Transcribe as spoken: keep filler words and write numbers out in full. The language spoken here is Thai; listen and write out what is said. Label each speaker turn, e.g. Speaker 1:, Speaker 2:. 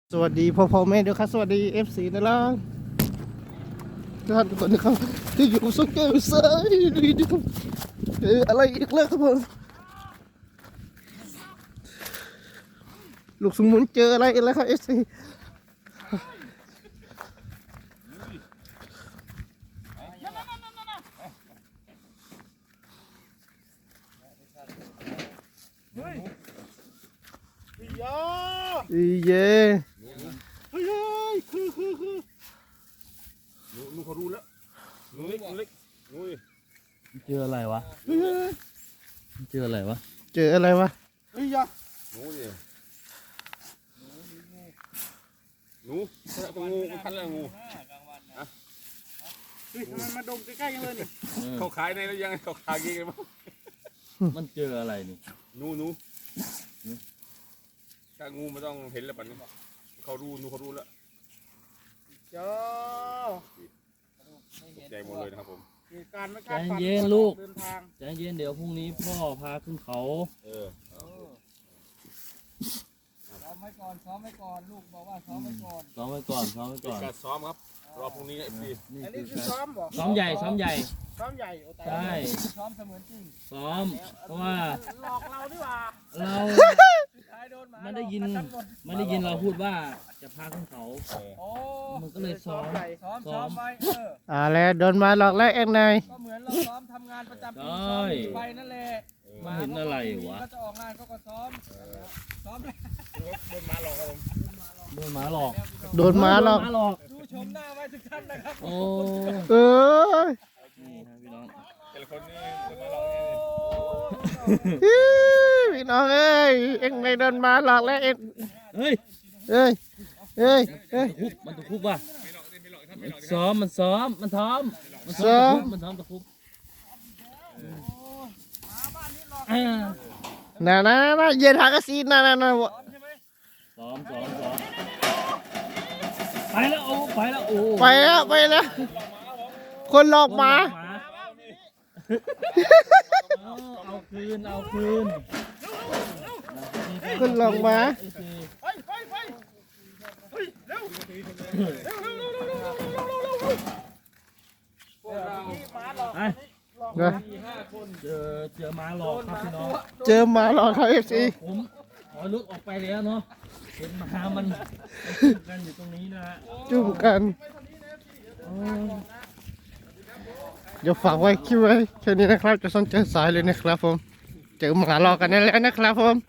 Speaker 1: สวัสดีพ่อพ่อแม่ด้วยครับสวัสดีเอฟซีนะล่ะท่านทุกคนนะครับที่อยู่สุขเกลเซยดีดีครับเอออะไรอีกแล้วครับผมลูกสมุนเจออะไรอีกแล้วครับเอฟซีอีเย่เฮ้ยคือคือคือ
Speaker 2: หนูหนูเขารู้แล้วหนูเล็กหนูเล็กหนู
Speaker 3: เจออะไรวะ เจออะไรวะ
Speaker 1: เจออะไรวะเฮ้ยยา
Speaker 2: หนูดิหนูตัวงูมันพันแล้วงู
Speaker 1: เฮ้ยทำไมมาดมใกล้ๆกันเลยนี่
Speaker 2: เขาขายในแล้วยังเขาขายกี่กันบ้าง
Speaker 3: มันเจออะไรนี่
Speaker 2: หนูหนูถ้างูมันต้องเห็นแล้วปันนี้เขารู้หนูเขารู้แล้ว
Speaker 1: เจ้า
Speaker 2: ใจหมดเลยนะครับผม
Speaker 1: เหตุการณ์ไม่
Speaker 3: ใจ
Speaker 1: คาดฝัน
Speaker 3: เย็นลูก
Speaker 1: เดินทาง
Speaker 3: ใจเย็นเดี๋ยวพรุ่งนี้พ่อพาขึ้นเขา
Speaker 2: เออ
Speaker 4: ซ้อมไว้ก่อนซ้อมไว้ก่อนลูกบอกว่าซ้อมไว้ก่อน
Speaker 3: ซ้อมไว้ก่อนซ้อมไว้
Speaker 2: เป็น
Speaker 3: ก่อน
Speaker 2: การซ้อมครับรอพรุ่งนี้เอฟซี
Speaker 3: นี่
Speaker 1: อัน
Speaker 3: คื
Speaker 1: นี้
Speaker 3: อ
Speaker 1: คือ
Speaker 3: การ
Speaker 1: ซ้อมบ่
Speaker 3: ซ้อมใหญ่ซ้อมใหญ่
Speaker 1: ซ้อมใหญ่โอ้ตาย
Speaker 3: ใช่
Speaker 4: ซ้อมเสมือนจริง
Speaker 3: ซ้อม เพราะว่า
Speaker 1: หลอกเราดีกว่า
Speaker 3: เรา
Speaker 4: สุดท้ายโดนหมา
Speaker 3: มันได้ยิน
Speaker 4: หลอกกัหมด
Speaker 3: มันได้ยินเราพูดว่าจะพาขึ้นเขา
Speaker 4: โอ้
Speaker 3: มันก็เลยซ้อม
Speaker 4: ซ้อม
Speaker 3: ซ้
Speaker 4: ซ้
Speaker 3: อ
Speaker 4: อ
Speaker 3: ม
Speaker 4: มไว้เออ
Speaker 1: อ่าแล้วโดนมาหลอกแล้วเอ็งนาย
Speaker 4: ก็เหมือนเราซ้อมทำงานประจำปี
Speaker 3: ใช่
Speaker 4: ซ้อมหนีไปนั่นแหละ
Speaker 3: มันเห็นอะไรวะ
Speaker 4: ก็จะออกงานเขาก็ซ้อมซ้อมเลย
Speaker 2: โดนมาหลอกครับผม
Speaker 3: โดนหมาหลอก
Speaker 1: โดนมาหลอก
Speaker 3: โดนหมาหลอก
Speaker 4: ดูชมหน้าไว้ทุกท่านนะครับ
Speaker 3: โอ้
Speaker 1: เออ
Speaker 3: นี่ครับพี่น้อง
Speaker 2: แต่ละคนนี่โดนมาหลอก
Speaker 1: ฮิพี่น้องเอ้ยเอ็งไม่โดนมาหลอกแล้วเอ็ง
Speaker 3: เฮ้ย
Speaker 1: เอ้ยเอ้ยเอ้ย
Speaker 3: คุบมันตะคุบว่ะ
Speaker 2: ไม่หลอกไม่หลอกถ้าไม่
Speaker 3: มัน
Speaker 2: หลอก
Speaker 3: ซ้อมมันซ้อมมันซ้อมมัน
Speaker 1: ซ้อม
Speaker 3: มันซ้อมตะคุบอ่า
Speaker 1: น่าน่าน่าเย็นหากระสีน่าน่าน่า
Speaker 4: ซ้อมใช่ไหม
Speaker 3: ซ้อมซ้อมซ้อมไปแล้วโอ้ไปแล้วโอ้
Speaker 1: ไปแล้วไปแล้วคนหลอกหมา
Speaker 3: เอาเอาคืนเอาคืน
Speaker 1: คนหลอกหมา
Speaker 4: ไปไปไปเฮ้ยเร็ว
Speaker 2: พวกเรา
Speaker 3: ไป
Speaker 1: นะ
Speaker 3: เจอเจอหมาหลอกครับพี่น้อง
Speaker 1: เจอหมาหลอกเขาเอฟซี
Speaker 3: ผมขอลุกออกไปแล้วเนาะเห็นหมามันมันจุ่มกันอยู่ตรงนี้นะฮะ
Speaker 1: จุ่มกันเดี๋ยวฝากไว้คิดไว้แค่นี้นะครับจะซ่อนเจอสายเลยนะครับผมเจอหมาหลอกกันนั่นแหละนะครับผม